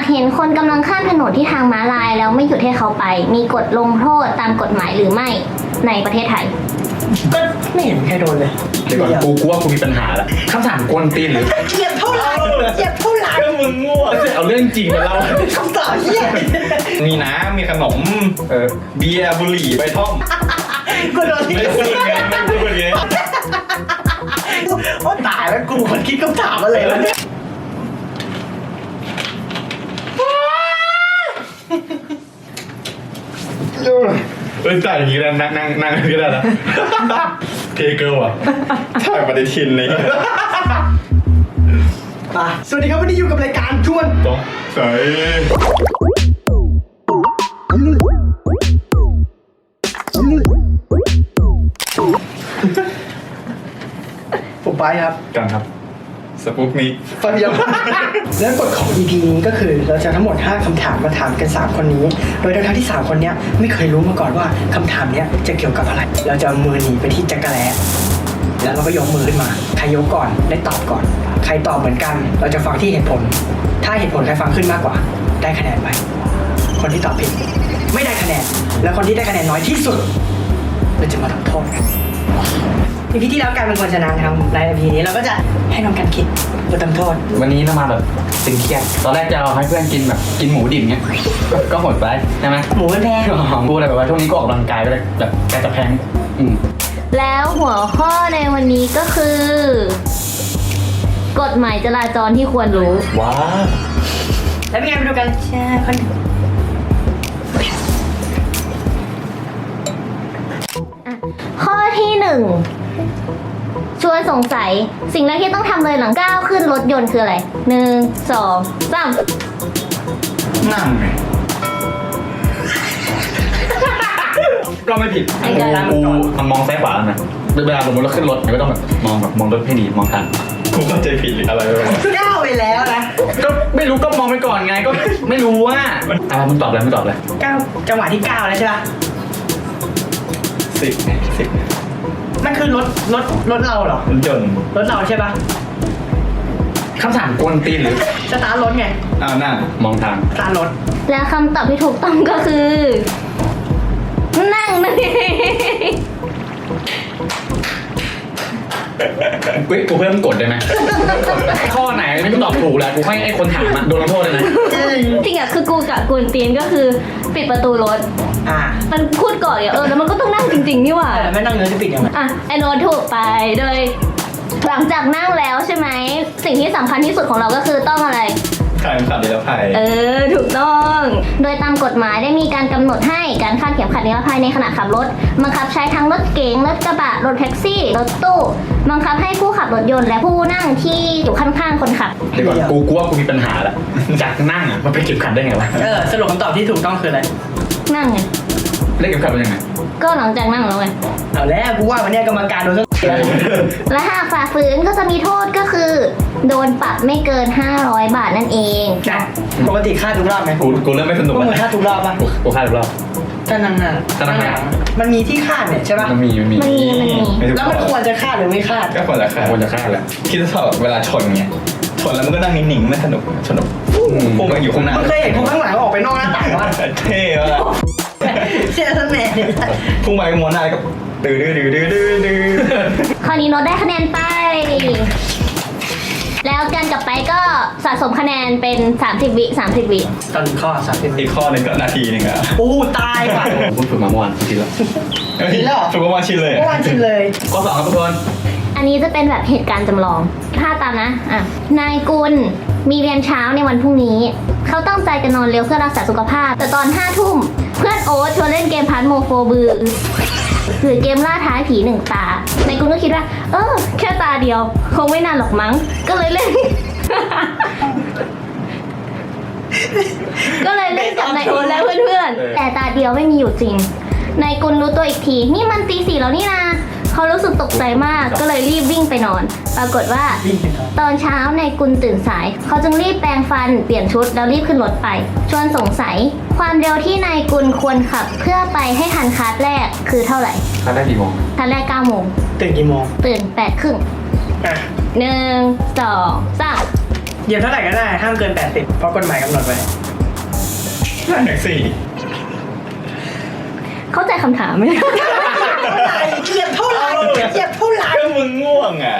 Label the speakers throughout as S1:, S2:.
S1: เห็นคนกำลังข้ามถนนที่ทางม้าลายแล้วไม่หยุดให้เขาไป มีกฎลงโทษตามกฎหมายหรือไม่ในประเทศไทย
S2: ก็ไม่เห็นใครโดนเลย
S3: เดี๋ยวก่อนกูว่ากูมีปัญหาแล้วคำถามกวนตีนหรือ
S2: เจ็บเท่าไหร่เจ็บเท่าไหร่
S3: ก็มึงง่วงเอาเรื่องจริงมาเล่า
S2: คำตอบเหี้ย
S3: มีน้ำมีขนมเบียร์บุหรี่ใบท่อม
S2: กูโดนที่
S3: ไม่พูดไงไม่พูดไง
S2: โอ้ตายแล้วกูคนคิดคำถามอะไรวะเนี่ย
S3: จ่ายอย่างนี้แล้วนั่งก็ได้นะเทเกิลอ่ะถ่ายปฏิทินเลย
S2: มาสวัสดีครับวันนี้อยู่กับรายการชวน
S3: ต้องใส่
S2: ผมไปครับ
S3: กันครับสปุกนิก
S2: ฟังยังแล้วกฎของ EP นี้ก็คือเราจะทั้งหมด5คำถามมาถามกัน3คนนี้ โดยทั้งที่3คนนี้ไม่เคยรู้มาก่อนว่าคำถามนี้จะเกี่ยวกับอะไร เราจะเอามือหนีไปที่จักรแลแล้วเราก็ยกมือขึ้นมาใครยกก่อนได้ตอบก่อน ใครตอบเหมือนกัน เราจะฟังที่เหตุผล ถ้าเหตุผลใครฟังขึ้นมากกว่า ได้คะแนนไป คนที่ตอบผิดไม่ได้คะแนน แล้วคนที่ได้คะแนนน้อยที่สุดเราจะมาทำโทษกันอีพีที่แล้วการเป็นคนชนะนะครับในอีพีนี้เราก็จะให้น้องกันคิดบททำโทษ
S4: วันนี้เรามาแบบตึงเครียดตอนแรกจะเอาให้เพื่อนกินแบบกินหมูดิบเงี้ยก็โหดไปใช่ไหม
S2: หมูมันแพง
S4: กูเลยแบบว่าช่วงนี้ก็ออกกำลังกายไปเลยแบบแกจะแพง
S1: แล้วหัวข้อในวันนี้ก็คือ กฎหมายจราจรที่ควรรู้
S3: ว้า
S2: แล้วเป็นไงไปดูกันแชร์คน
S1: ข้อที่1ชวนสงสัยสิ่งแรกที่ต้องทำเลยหลังก้าวขึ้นรถยนต์คืออะไร1 2 3
S3: นั่งไงก็ไม่ผิด
S1: ไอ้กัน
S4: กูมันมองซ้ายขวานะเวลาสมมติเราขึ้นรถก็ต้องแบบมองรถให้ดีมองทาง
S3: กูเข้าใจผิดหรืออะไรวะ
S2: ก้าวไปแล้วนะ
S4: ก็ไม่รู้ก็มองไปก่อนไงก็ไม่รู้ว่ามึงตอบเลยมึงตอบเลย
S2: ก้าวจังหวะที่ก้าวแล้วใช่ปะ
S3: 10เนี่ย10เนี่ย
S2: มันคือรถเราเหรอ
S3: รถยนต์
S2: รถเราใช่ปะ
S4: คำถามกวนตีนหรือ
S2: สตาร์ทรถไง
S3: นั่ง
S4: มองทาง
S2: สตาร์ทรถ
S1: และคำตอบที่ถูกต้องก็คือ นั่งนั่นเอง
S4: กูเพิ่มกดได้ไหมข้อไหนไม่ตอบถูกแล้วกูให้ไอ้คนถามโดนลงโทษเลยนะ
S1: จริงอะคือกูกับกุนตีนก็คือปิดประตูรถ มันพูดก่อนแล้วมันก็ต้องนั่งจริงๆนี่หว่า
S2: ไม่นั่งเงินจะปิดยังไง
S1: อ่ะไอโนตถูกไปโดย หลังจากนั่งแล้วใช่ไหมสิ่งที่สำคัญที่สุดของเราก็คือต้องอะไร
S3: ขายขับนิรภัย
S1: ถูกต้อง โดยตามกฎหมายได้มีการกำหนดให้การคาดเข็มขัดนิรภัยในขณะขับรถบังคับใช้ทั้งรถเก๋งรถกระบะรถแท็กซี่รถตู้บังคับให้ผู้ขับรถยนต์และผู้นั่งที่อยู่ข้างๆคนขับ
S4: เดี๋ยวก่อนกูว่ากูมีปัญหาแล้วจากนั่งอ่ะมันไปเก็บขัดได้ไงวะ
S2: สรุปคำตอบที่ถูกต้องคืออะไร
S1: นั่งไง
S4: เล่นเก็บขัดเป็นยังไง
S1: ก็หลังจากนั่งแล้วไง
S2: เอาแล้วกูว่าวันนี้กรรมการโดนแล้ว
S1: และหากฝ่าฝืนก็จะมีโทษก็คือ โดนปรับไม่เกิน 500 บาทนั่นเอง
S2: ปกติค่าทุกรอบไหม
S3: กูเริ่มไม่สนุก
S2: พวก
S3: แล้ว
S2: มึงค่าทุกรอบปะ
S4: กูคาดรอบ
S2: ถ้านั่ง
S4: ถ้านั่ง
S2: มันมีที่คาดเนี่ยใช่ปะ
S4: มันมี
S1: มันมี
S2: แล้วมันควรจะคาดหรือไม่คาด
S3: ก็ควรจะคาด
S4: ควรจะคาดแหละ
S3: คิดว่าเวลาชนเงี้ยชนแล้วมันก็นั่งนิ่งๆไม่สนุกพวกมันอยู่ข้างหน้า
S2: มึงเคยเห็นคนข้างหลังออกไปนอกหน้าต่างวะ
S3: เท่ว่ะ
S2: เชื่อท่านแม่เนี่ย
S3: พุ่งไปมวนหน้าก็ดื้อ
S1: ข้อนี้โน้ตได้คะแนนไป แล้วกันกับไปก็สะสมคะแนนเป็น 30 วิ30 วิ
S2: ตอนข้อ30
S3: อีกข้อหนึ่งก็นาทีหนึ่งอ่ะ
S2: ตายว่ะ
S4: ผมฝึกมาเมื่อวานจริงๆแล้ว
S3: ถูกว่าชินเลย
S2: เมื่อวานชินเลย
S4: ข้อ2ครับทุกคน
S1: อันนี้จะเป็นแบบเหตุการณ์จำลอง ถ้าตามนะนายกุลมีเรียนเช้าในวันพรุ่งนี้ เขาตั้งใจจะนอนเร็วเพื่อรักษาสุขภาพ แต่ตอน5 ทุ่ม เพื่อนโอ๊ตชวนเล่นเกมพันโมโฟบือหรือเกมล่าท้าผี1 ตานายกุลก็คิดว่า แค่ตาเดียว คงไม่นานหรอกมั้ง ก็เลยเล่น ก็เลยเล่นกับนายโอ๊ตและเพื่อนๆ แต่ตาเดียวไม่มีอยู่จริง นายกุลรู้ตัวอีกที นี่มันตี 4แล้วนี่นาเขารู้สึกตกใจมาก ก็เลยรีบวิ่งไปนอน ปรากฏว่า ตอนเช้านายกุลตื่นสาย เขาจึงรีบแปรงฟัน เปลี่ยนชุดแล้วรีบขึ้นรถไป ชวนสงสัย ความเร็วที่นายกุลควรขับ เพื่อไปให้ทันคลาสแรกคือเท่าไหร่
S4: คาดได้กี่โมง
S1: คลาสแรก9 โมง
S2: ตื่นกี่โมง
S1: ตื่น8 ครึ่ง 1 2 3
S2: เหยียบเท่าไหร่ก็ได้ห้ามเกิน80เพราะกฎหมายกำหนดไว้
S3: นั่นแท็กซี่
S1: เข้าใจคำถามไหม
S2: เหยียบเท่าไหร่เหยียบเท่าไหร่
S3: ก็มึงง่วงอ่ะ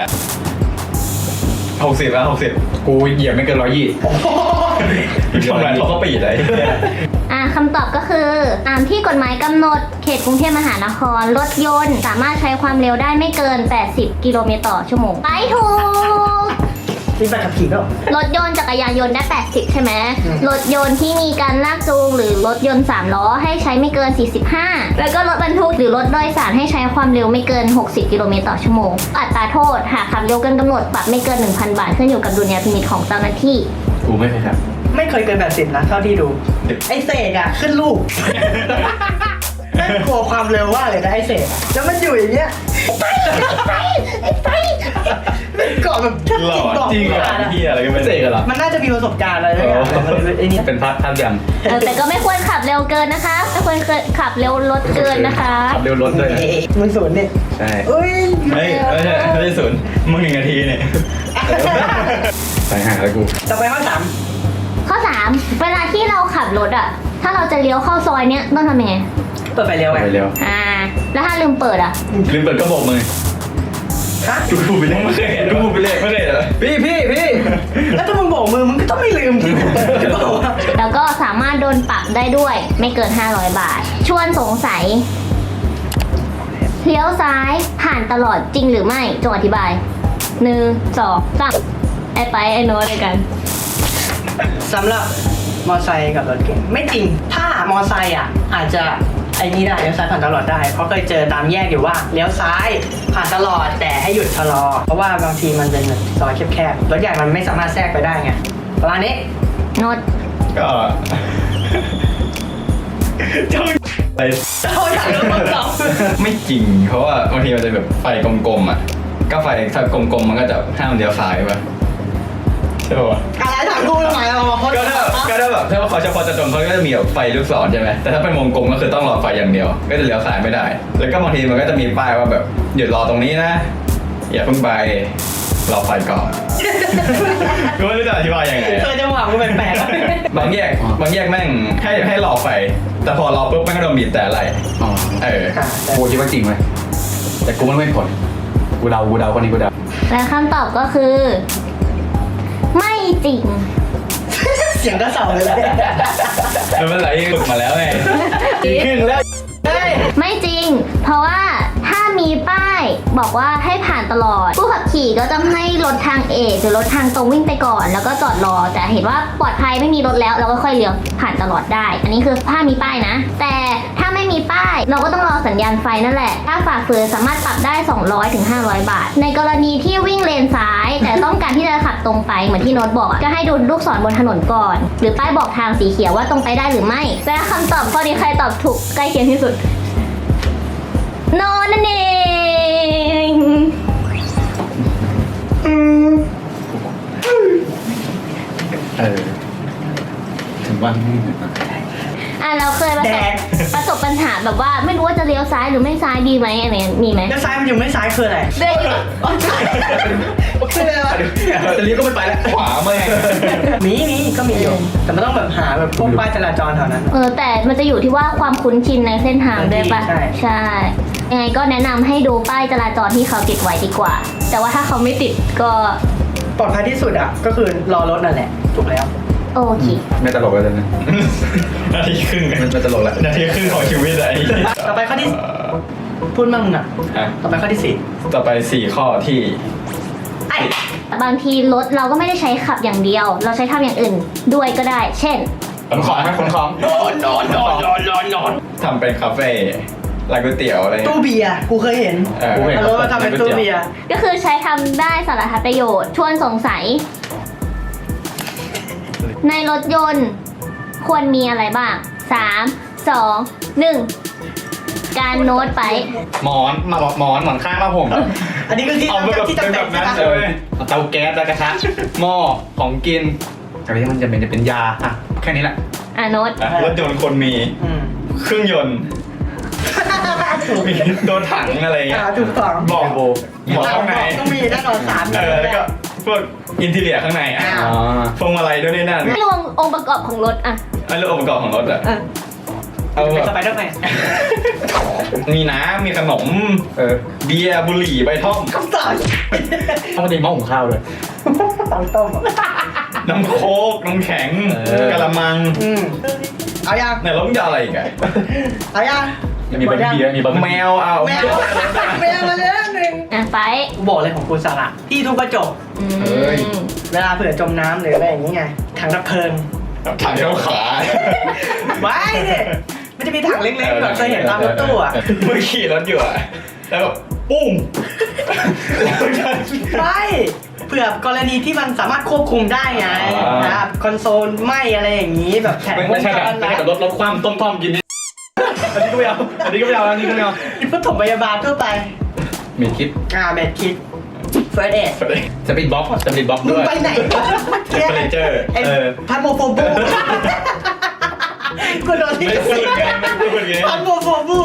S3: 60แล้ว60
S4: กูเหยียบไม่เกิน120
S3: ทำไรเขาก็ปีดเลย
S1: คำตอบก็คือตามที่กฎหมายกำหนดเขตกรุงเทพมหานครรถยนต์สามารถใช้ความเร็วได้ไม่เกิน 80 กิโลเมตรต่อชั่วโมงไปถูก
S2: มีใบขับขี่ก็
S1: รถยนต์จักรยานยนต์ได้ 80 ใช่ไหม
S2: อืม
S1: รถยนต์ที่มีการลากจูงหรือรถยนต์3ล้อให้ใช้ไม่เกิน 45 แล้วก็รถบรรทุกหรือรถโดยสารให้ใช้ความเร็วไม่เกิน 60 กิโลเมตรต่อชั่วโมง อัตราโทษหากขับเร็วเกินกำหนดปรับไม่เกิน 1,000 บาทขึ้นอยู่กับดุลยพินิจของเจ้าหน้าที่
S4: กูไม่เคยครับ
S2: ไม่เคยเกิน80นะเท่าที่ดู ไอ้เสกอ่ะขึ้นลูกแม่งกลัวความเร็วว่าเลยนะไอ้เสกอะแล้วมันอยู่อย่างเงี้ยไม่เกาะแบบแทบ
S3: หล่อ
S2: จิกเกาะ
S3: จริง
S2: ไม่
S3: อ่ะ
S2: ได้นะ
S3: เฮียอะไรก็ไม่
S4: เสกเหรอ
S2: มันน่าจะมีประสบการณ์อะไรด้วยกันไอ้นี่
S4: เป็นพัดยัง
S1: แต่ก็ไม่ควรขับเร็วเกินนะคะ ไม่ควรขับเร็วรถเกินนะคะ
S4: ขับเร็วรถด้วยนะ
S2: มึงศูนย์เนี่ย
S4: ใช่
S2: เอ้ย
S3: ไม่ใช่ศูนย์มึง1 นาทีเนี่ย
S4: ไปหาแล้วกู
S2: ต่อไปข้อ
S1: ข้อ 3 เวลาที่เราขับรถอะถ้าเราจะเลี้ยวเข้าซอยเนี้ยต้องทำยังไง
S2: 3เปิดไฟเร็วไง
S4: ไปเร็ว
S1: แล้วถ้าลืมเปิดอะ
S3: ลืมเปิดก็โบกมือ
S2: ฮะ
S3: ดูไปเรื่อยไม่เคยเห็นดูไปเรื่อยไม่เคยเห็นเหรอ
S4: พี่
S2: แล้วถ้ามึงโบกมือมึงก็ต้องไม่ลืมที่เปิดหรือเปล่าวะ
S1: แล้วก็สามารถโดนปรับได้ด้วยไม่เกิน 500 บาท ชวนสงสัย เลี้ยวซ้ายผ่านตลอดจริงหรือไม่จงอธิบาย 1 2 3ไอ้ไปไอ้โน้ตด้วยกัน
S2: สำหรับมอไซค์กับรถเก๋งไม่จริง ถ้ามอไซค์อ่ะอาจจะไอ้นี่ได้เลี้ยวซ้ายผ่านตลอดได้ เพราะเคยเจอตามแยกอยู่ว่าเลี้ยวซ้ายผ่านตลอดแต่ให้หยุดชะลอ เพราะว่าบางทีมันเป็นแบบซอยแคบๆรถใหญ่มันไม่สามารถแทรกไปได้ไงประมาณนี้
S1: โน้ต
S3: ก็เจ้าอะไร
S2: เขาอยากรู้คำตอบ
S3: ไม่จริง เพราะว่าบางทีมันจะแบบไฟกลมๆอ่ะก็ไฟถ้ากลมๆมันก็จะห้ามเลี้ยวซ้ายป่ะใช่ป่ะ
S2: อะไรถามกูทำไมเรามาพ้น
S3: ก็ถ้าแบบถ้าว่าเขาเฉพาะจะตรงเขาก็จะมีแบบไฟลูกศรใช่ไหมแต่ถ้าเป็นวงกลมก็คือต้องรอไฟอย่างเดียว ก็จะเลี้ยวซ้ายไม่ได้ แล้วก็บางทีมันก็จะมีป้ายว่าแบบหยุดรอตรงนี้นะอย่าเพิ่งไปรอไฟก่อนกูไม่รู้จะอธิบายยังไง
S2: เคยจังหวะกูแปลกๆ
S3: บางแยกแม่งให้รอไฟ แต่พอรอปุ๊บแม่งก็โดนบีบแต่อะไร
S4: อ๋อ
S3: เออ
S4: กูคิดว่าจริงไหมแต่กูไม่ผลกูเดาคนนี้กูเดา
S1: และคำตอบก็คือ ไม่จริง
S2: เสียงก็เสาเลยแหละ
S3: แล้วมันไหลฝึกมาแล้วไงครึ่งแล้ว
S1: ไม่จริง เพราะว่าถ้ามีป้ายบอกว่าให้ผ่านตลอด ผู้ขับขี่ก็จะให้รถทางเอกหรือรถทางตรงวิ่งไปก่อน แล้วก็จอดรอ แต่เห็นว่าปลอดภัยไม่มีรถแล้วเราก็ค่อยเลี้ยวผ่านตลอดได้ อันนี้คือถ้ามีป้ายนะ แต่ถ้าไม่มีป้ายเราก็ต้องรอสัญญาณไฟนั่นแหละ ถ้าฝ่าฝืนสามารถปรับได้ 200 ถึง 500 บาท ในกรณีที่วิ่งเลนซ้าย แต่ต้องการที่จะขับตรงไปเหมือนที่โน้ตบอกอะก็ให้ดูลูกศรบนถนนก่อน หรือป้ายบอกทางสีเขียวว่าตรงไปได้หรือไม่และคำตอบข้อนี้ใครตอบถูกใกล้เคียงที่สุด โนนั่นเอง
S4: ถึงว่าไม่เหมือน
S1: เราเคยประสบปัญหาแบบว่าไม่รู้ว่าจะเลี้ยวซ้ายหรือไม่ซ้ายดีไหมอะไรเงี้ยมีไหม
S2: แล้วซ้ายมันอยู่ไม่ซ้ายคืออะไร
S1: เดินอยู่
S2: คืออะไรวะ
S3: จะเลี้ยวก็ไม่ไปแล้วขวาแม่ง
S2: มีก็มีอยู่แต่มันต้องแบบหาแบบพวกป้ายจราจรแถวนั้น
S1: แต่มันจะอยู่ที่ว่าความคุ้นชินในเส้นทางด้วยปะ
S2: ใช่
S1: ยังไงก็แนะนำให้ดูป้ายจราจรที่เขาติดไว้ดีกว่า แต่ว่าถ้าเขาไม่ติดก็
S2: ปลอดภัยที่สุดอ่ะก็คือรอรถนั่นแหละถูกแล้ว
S1: โอเค
S4: ไม่ตลกแล้วนะ
S3: นาทีครึ่ง
S4: มันจะตลกแล้ว
S3: นาทีครึ่งของชีวิตอะไอ้
S2: ต่อไปข้อที่พูดมั่งมึงอ่ะ
S3: ฮะ
S2: ต่อไปข้อที่
S3: ต่อไป4ข้อที่
S2: 4ไอ้
S1: บางทีรถเราก็ไม่ได้ใช้ขับอย่างเดียว เราใช้ทำอย่างอื่นด้วยก็ได้ เช่น
S3: ขนของขนของนอนทำเป็นคาเฟ่ร้านก๋วยเตี๋ยวอะไร
S2: ตู้เบียร์กูเคยเห็น
S3: กูเห็น
S2: มาทำเป็นตู้เบียร์
S1: ก็คือใช้ทำได้สารพัดประโยชน์ชวนสงสัย ในรถยนต์ควรมีอะไรบ้าง 3 2 1 การโน้ตไป
S3: หมอนข้างมาผม
S2: อันนี้คือที่
S3: เอาแบบ
S2: ที่จำ
S3: เป็น
S2: เป็
S3: แบ
S2: น
S3: บนั้น
S2: ใช่
S3: เล
S2: ไหม
S3: ยเตาแก๊สแล้วกระทะหม้อของกิน
S4: อะไรที่มันจะเป็นยาอ่ะแค่นี้แหละ
S1: โน้ต
S3: รถยนต์คนมี
S2: อืม
S3: เครื่องยนต์มีโดนถังอะไรเงี้ย
S2: ถูกต้อง
S3: บอกข้างใน
S2: ต้องมีแน่นอน3
S3: แล้วก็พวกอินทีเรียข้างในอ่ะ
S4: อ๋อ
S3: พวงมาลัยด้วยนี่นั่น
S1: ไม่รวมองค์ประกอบของรถอะ
S3: ไอ้เรื่ององค์ประกอบของรถอ่ะเอา
S2: เป็น
S3: แบ
S2: ส
S3: บ
S2: ไปเดอร์แมน
S3: มีน้ำมีขนมเบียร์บุหรี่ใบท่อม
S2: คำตอบ
S4: ต้องมาตีหม้อหุงข้าวเลย
S2: เตาต้ม
S3: น้ำโค้กน้ำแข็งกะละมัง
S2: เอายัง
S3: เนี่ยแล้วมึงจะเอาอะไรอีกอะ
S2: เอายัง
S4: มีบะหมี่มีบะหมี่
S3: แมวเอา
S2: แมวแมวมาเลยหนึ่ง
S1: อ่ะไป
S2: กูบอกเลยของกูสาระที่ทุบกระจก เวลาเผื่อจมน้ำหรืออะไรอย่างนี้ไงถังดับเพลิง
S3: ถังเท้าขา
S2: ไว้เนี่ยมันจะมีถังเล็กๆแบบเคยเห็นตามรถตู้อ่ะ
S3: มึงขี่รถอยู่อะแล้วแบบปุ้มแล้วก็
S2: ไม่เผื่อกรณีที่มันสามารถควบคุมได้ไง
S3: อ่า
S2: นะครับคอนโซลไหมอะไรอย่างนี้แบบแผงว
S4: ไม่
S2: ง
S4: ใช่
S2: จ
S4: แบบ
S2: ร
S4: ไม่ใช่แบบรถคว่ำต้มกินนี่อันนี้ก็ไม่เอาอันนี้ก็ไม่เอาอันนี้ก็ไม่เอา
S2: ที่ปฐมพยาบาลทั่วไป
S4: มีคิด
S2: เมดคิดเฟิร์สเอด
S4: สปีดบ็อกซ์
S2: มึง
S4: ด้วย
S2: ไปไหนวะ
S3: เฟอร์นิเจอร์
S2: ไอ้พันโมโฟบูกูโดนที่
S3: ไม่พูดไงไม่พูดไง
S2: พันโมโฟบู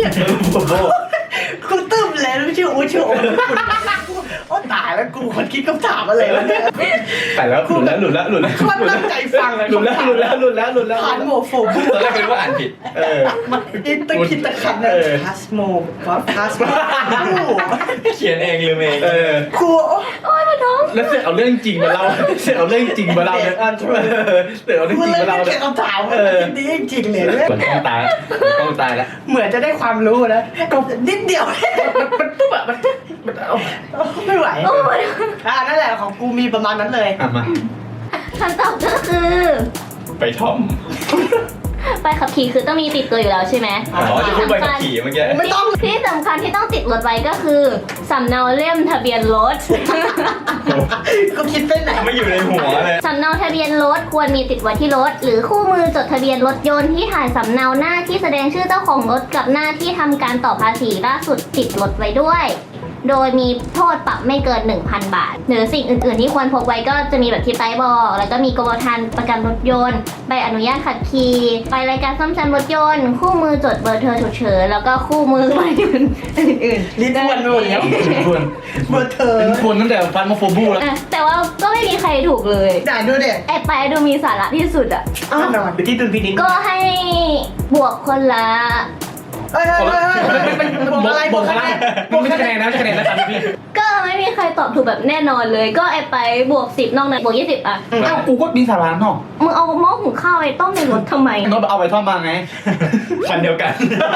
S2: กูตึ้มเลยแล้วชื่ออูชื่อโอ้โอ้ตายแล้วกูคนคิดคำถามอะไรวะเนี่ย
S4: แต่แล้วหลุดแล้ว
S2: มันตั้งใจฟังเลย
S4: หลุดแล้ว
S2: พันโมโฟบู
S3: ตอนแรกเป็นว่าอ่านผิด
S2: มันอินตะคิดตะขันเลยพาสโมพาสโม
S3: เขียนเองลืมเอง
S2: ครู
S1: โอ้ยมันท้อง
S4: แล้วเสร็จเอาเรื่องจริงมาเล่าเนี่ยเสร็จเอาเรื่องจริงมาเล่า
S2: กูเลยไม่เก็บคำถามดีจริงเลย
S4: เหมือนต้องตายแล้ว
S2: เหมือนจะได้ความรู้นะก็นิดเดียว
S4: มันปุ๊บอะมันเอา
S2: ไม่ไหว
S1: โอ้ย
S2: นั่นแหละของกูมีประมาณนั้นเลย
S4: มา
S1: คำตอบก็คือ
S3: ไปท่อม
S1: ใบขับขี่คือต้องมีติดตัวอยู่แล้วใช่ไหม
S3: อ๋อจะพูดไปขับขี่เมื่อกี้
S2: ไม่ต้อง
S1: ที่สำคัญที่ต้องติดรถไว้ก็คือสำเนาเล่มทะเบียนรถ
S2: กูคิดไปไหน
S3: ไม่อยู่ในหัวเลย
S1: สำเนาทะเบียนรถควรมีติดไว้ที่รถ หรือคู่มือจดทะเบียนรถยนต์ที่ถ่ายสำเนาหน้าที่แสดงชื่อเจ้าของรถกับหน้าที่ทำการต่อภาษีล่าสุดติดรถไว้ด้วย โดยมีโทษปรับไม่เกิน 1,000 บาท หรือสิ่งอื่น ๆ ที่ควรพกไว้ก็จะมีแบบที่ไต้บอก แล้วก็มีกรมธรรม์ประกันรถยนต์ ใบอนุญาตขับขี่ใบรายการซ่อมแซมรถยนต์ คู่มือจดเบอร์โทรฉุกเฉิน แล้วก็คู่มือใบอื่นๆ
S2: ลิ้นอ้วนไปหมดแล้ว
S4: ควร
S2: เบอร์เธอ
S4: ควรตั้งแต่ฟันมาโฟบูแล้ว
S1: อ่ะแต่ว่าก็ไม่มีใครถูกเลย
S2: ด่าดูเด็ก
S1: ไอ้ไปดูมีสาระที่สุดอ่ะ
S2: แน่นอนอยู่ที่ดุลพินิจ
S1: ก็ให้บวกคนละ
S2: เอ้ยบวกอะไรบวกคะแนน
S4: ไม่ใช่คะแนนนะครับพี่
S1: ก็ไม่มีใครตอบถูกแบบแน่นอนเลย ก็ไอ้ไปบวก10นอกนั้นบวก20อ่ะ
S4: เอ้ากูก็มีสาระเนาะ
S1: มึงเอาหม้อหุงข้าวไปต้มในรถทำไม
S4: โน้ตเอาไปท่อมมาไง
S3: คันเดียวกัน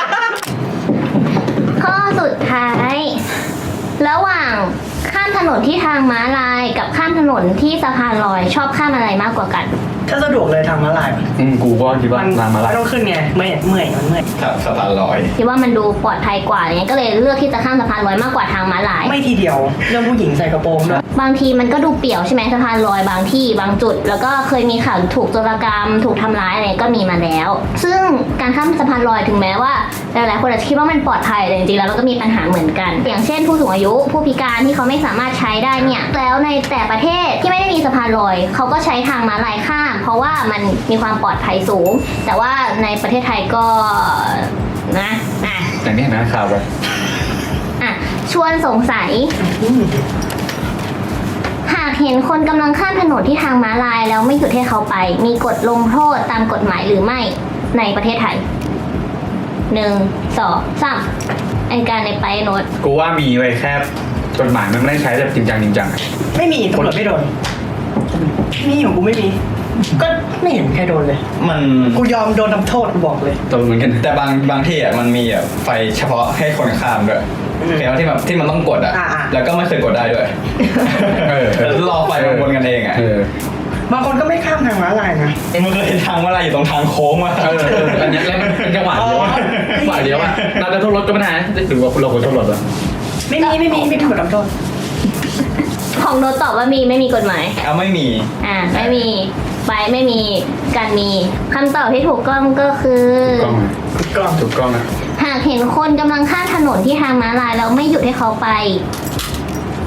S1: ข้อสุดท้าย ระหว่างข้ามถนนที่ทางม้าลายกับข้ามถนนที่สะพานลอยชอบข้ามอะไรมากกว่ากัน
S2: ถ้าสะดวกเลยทางม้าลาย
S4: กูก็คิดว่าทางมาลาย
S2: ไม่ต้องขึ้นไงเมื่อยมันเมื่อย
S3: ครับสะพานลอย
S1: คิดว่ามันดูปลอดภัยกว่าอะไรเงี้ยก็เลยเลือกที่จะข้ามสะพานลอยมากกว่าทางม้าลาย
S2: ไม่ทีเดียวเรื่องผู้หญิงใส่กระโปรงด้วย
S1: บางทีมันก็ดูเปี่ยวใช่ไหมสะพานลอยบางที่บางจุด แล้วก็เคยมีข่าวถูกโจรกรรมถูกทำร้ายอะไรก็มีมาแล้ว ซึ่งการข้ามสะพานลอยถึงแม้ว่าหลายๆคนอาจจะคิดว่ามันปลอดภัยแต่จริงๆแล้วมันก็มีปัญหาเหมือนกัน อย่างเช่นผู้สูงอายุผู้พิการที่เขาไม่สามารถใช้ได้เนี่ยแล้วในแต่ประเทศที่ไม่ได้มีสะพานลอยเขาก็ใช้ทางม้าลายข้าม เพราะว่ามันมีความปลอดภัยสูง แต่ว่าในประเทศไทยก็นะอ่ะ
S4: อย่างนี้เห็นไหมข่าวแบบ
S1: อ่ะชวนสงสัย หากเห็นคนกำลังข้ามถนนที่ทางม้าลายแล้วไม่หยุดให้เขาไป มีกฎลงโทษตามกฎหมายหรือไม่ในประเทศไทย 1 2 3ไอการในไปโน้ต
S4: กูว่ามีไว้แค่กฎหมายมันไม่ได้ใช้แบบจริงจัง
S2: ไม่มีตำรวจไม่โดนนี่ของกูไม่มี ก็ไม่เห็นใครโดนเลย
S3: มัน
S2: กูยอมโดนทำโทษกูบอกเลย
S4: ตัวเหมือนกัน
S3: แต่บางที่อ่ะมันมีแบบไฟเฉพาะให้คนข้ามด้วยเห็นว่าที่แบบที่มันต้องกดอ่ะ แล้วก็ไม่เคยกดได้ด้วย แล้วรอไฟมันวนกันเองอ่ะ
S2: บางคนก็ไม่ข้ามทางม้าลายนะ
S3: มึงเคยเห็นทางว่าอะไรอยู่ตรงทางโค้งวะ
S4: อันนี้แล้วมันเป็นจังหวะเดียวจังหวะเดียวอะเราจะโทษรถก็ไม่ได้หรือว่าเราควรโทษรถอะ
S2: ไม่มีถูกทำโทษ
S1: ของโน้ตตอบว่ามีไม่มีกฎหมาย
S3: เอาไม่มี
S1: ไม่มีไปไม่มีการมีคำตอบที่ถูกต้องก็คือ
S4: ถูกกล้องนะ
S1: หากเห็นคนกำลังข้ามถนนที่ทางม้าลายแล้วไม่หยุดให้เขาไป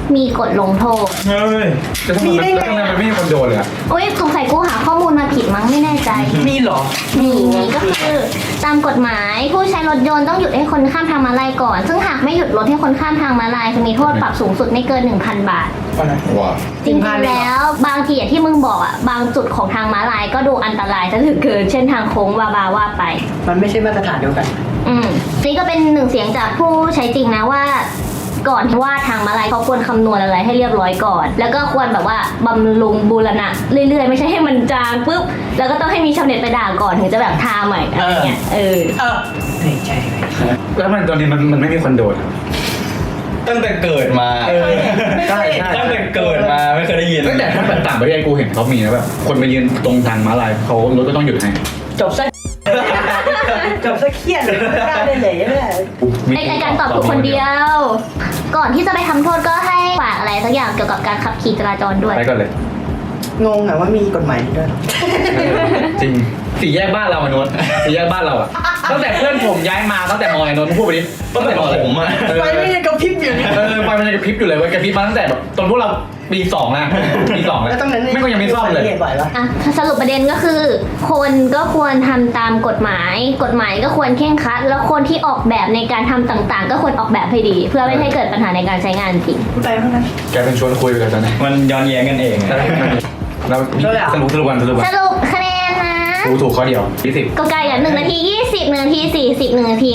S1: มีกฎลงโทษ
S3: เฮ้ย
S4: แล้วทำไมมันไม่มีคนโดนเลยอะ
S1: โอ้ยสงสัยกูหาข้อมูลมาผิดมั้งไม่แน่ใจ
S2: มีเหรอ
S1: มีก็คือตามกฎหมายผู้ใช้รถยนต์ต้องหยุดให้คนข้ามทางม้าลายก่อน ซึ่งหากไม่หยุดรถให้คนข้ามทางม้าลายจะมีโทษปรับสูงสุดไม่เกิน 1,000 บาท
S3: ว้า
S1: จริงๆแล้วบางทีอย่างที่มึงบอกอ่ะบางจุดของทางม้าลายก็ดูอันตรายซะเหลือเกินเช่นทางโค้งว่าไป
S2: มันไม่ใช่มาตรฐานเดียวกัน
S1: นี่ก็เป็นหนึ่งเสียงจากผู้ใช้จริงนะว่า ก่อนที่ว่าทางม้าลายเขาควรคำนวณอะไรให้เรียบร้อยก่อน แล้วก็ควรแบบว่าบำรุงบูรณะเรื่อยๆไม่ใช่ให้มันจางปุ๊บแล้วก็ต้องให้มีชาวเน็ตไปด่าก่อนถึงจะแบบทาใหม่อะไรเงี้ย
S2: ในใจเลย
S4: แล้วมันตอนนี้มันไม่มีคนโดน
S3: ตั้งแต่เกิดมา
S2: ใช่
S3: ตั้งแต่เกิดมาไม่เคยได้ยิน
S4: แต่ถ้าแบบต่างประเทศกูเห็นเขามีนะแบบคนไปยืนตรงทางม้าลายเขารถก็ต้องหยุดให้
S2: จบซะ จบซะเครียดเลยได้เลยแม่
S1: ไอการตอบถูกคนเดียว ก่อนที่จะไปทำโทษก็ให้ฝากอะไรสักอย่างเกี่ยวกับการขับขี่จราจรด้วย
S4: ไปก่อนเลย
S2: งงอะว่ามีกฎหมายนี้ด้วย
S4: จริงสี่แยกบ้านเราอะโน้ตสี่แยกบ้านเราอะตั้งแต่เพื่อนผมย้ายมาตั้งแต่มอไอ้โน้ตพูดไปดิ
S3: ตั้งแต่ผมอะ
S2: ไฟไม่ยังกระพริบอยู่เนี่ย
S4: ไฟมันยังกระพริบอยู่เลยเว้ยกระพริบมาตั้งแต่แบบตอนพวกเราปีสองนะปีสองแล้ว
S2: แล้วตรงนั้น
S4: ไม่ก็ยังไม่ซ่อมเลย
S2: ไหวปะ
S1: อ่ะสรุปประเด็นก็คือ คนก็ควรทำตามกฎหมาย กฎหมายก็ควรเคร่งครัด แล้วคนที่ออกแบบในการทำต่างๆ ก็ควรออกแบบให้ดี เพื่อไม่ให้เกิดปัญหาในการใช้งานจริง
S2: ไปเท่านั้น
S4: แกเป็นชวนคุยไปเลยตอนนี้
S3: มันย้อนแย้งกันเองอะ
S4: เราสรุปวัน
S1: สรุปคะแนนนะ
S4: ถูกข้อเดียว20
S1: ก็ไกลอ่ะ1 นาที 20 1 นาที 40 1 นาที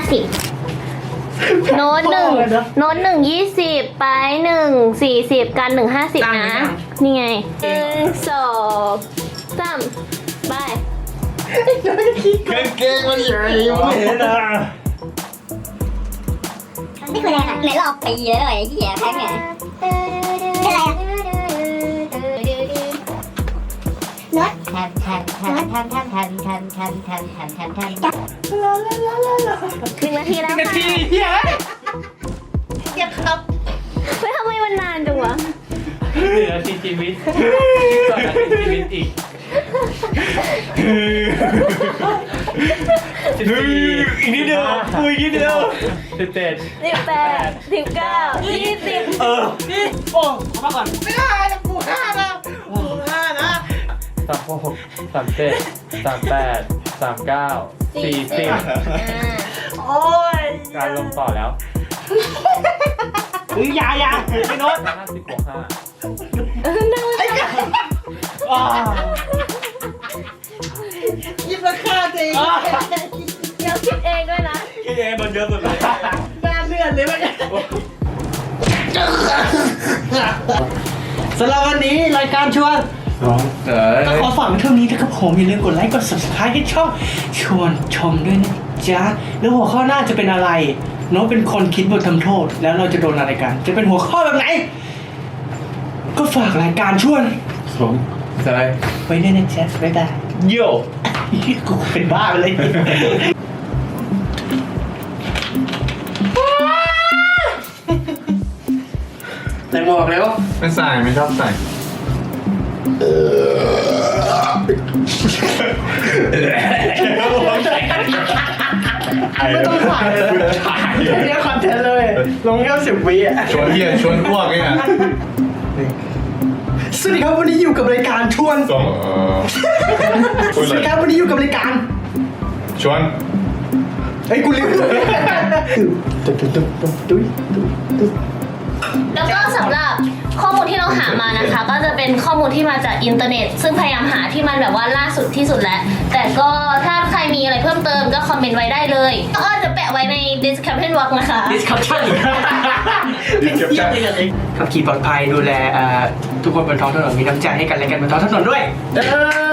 S1: 50 โน้ต1โน้ต1 20 ไป1 40 กัน1 50 นะ นี่ไง1 2 3 ไป
S3: เก่งมันใหญ่มากเลยนะ
S5: นี่คือแรงอ่ะไหนลอกปีเลยไอ้เหี้ยแพ้ไงเป็นไรอ่ะนวดแทน1
S1: นาทีแล้วค่ะเฮ้ยทำไมมันนานจังวะ
S6: 1 นาทีชีวิต2 นาทีชีวิตอีก
S3: อีกนิดเดียวอีกนิดเดียว
S6: 17
S1: 18 19 20
S6: นี่โอ้ขอมาก่อนไม่ได้นะกู5นะกู5นะ36 37 38 39 40โอ้ยการลงต่อแล้วอย่าไม่โน้ต50 บวก
S2: ยิบราคาจริง
S1: เดี๋ยวคิดเองด้วยนะ
S3: พี่เอมันเยอะสุดเลย
S2: หน้าเลือดเลยมั้ยสำหรับวันนี้รายการชวนก็ขอฝากไว้เท่านี้นะครับผมอย่าลืมกดไลค์กด subscribe ให้ช่องชวนชมด้วยนะจ๊ะแล้วหัวข้อหน้าจะเป็นอะไรโน้ตเป็นคนคิดบททำโทษแล้วเราจะโดนอะไรกัน จะเป็นหัวข้อแบบไหน ก็ฝากรายการชวน
S4: ผมใช่
S2: ไว้ด้วยนะจ๊ะบ๊ายบาย
S3: โย่
S2: กูเป็นบ้าไปเลยใส่หมวกแล้ว
S4: ไม่ใส่ไม่ชอบใส่
S2: ไม่ต้องถ่ายเลยเนี่ยคอนเทนต์เลย ลงแค่10 วิอ่ะ
S4: ชวนอ้วกเนี่ย
S2: สวัสดีครับวันนี้อยู่กับรายการชวน
S3: สอง
S2: สวัสดีครับวันนี้อยู่กับรายการ
S4: ชวน
S2: เฮ้ยกูลืมตุ้ย
S1: แล้วก็สำหรับข้อมูลที่เราหามานะคะ ก็จะเป็นข้อมูลที่มาจากอินเทอร์เน็ต ซึ่งพยายามหาที่มันแบบว่าล่าสุดที่สุดแล้ว แต่ก็ถ้าใครมีอะไรเพิ่มเติมก็คอมเมนต์ไว้ได้เลยก็จะแปะไว้ใน description box นะคะ
S2: discussion ขับขี่ปลอดภัยดูแลทุกคนบนท้องถนนมีน้ำใจให้กันและกันบนท้องถนนด้วย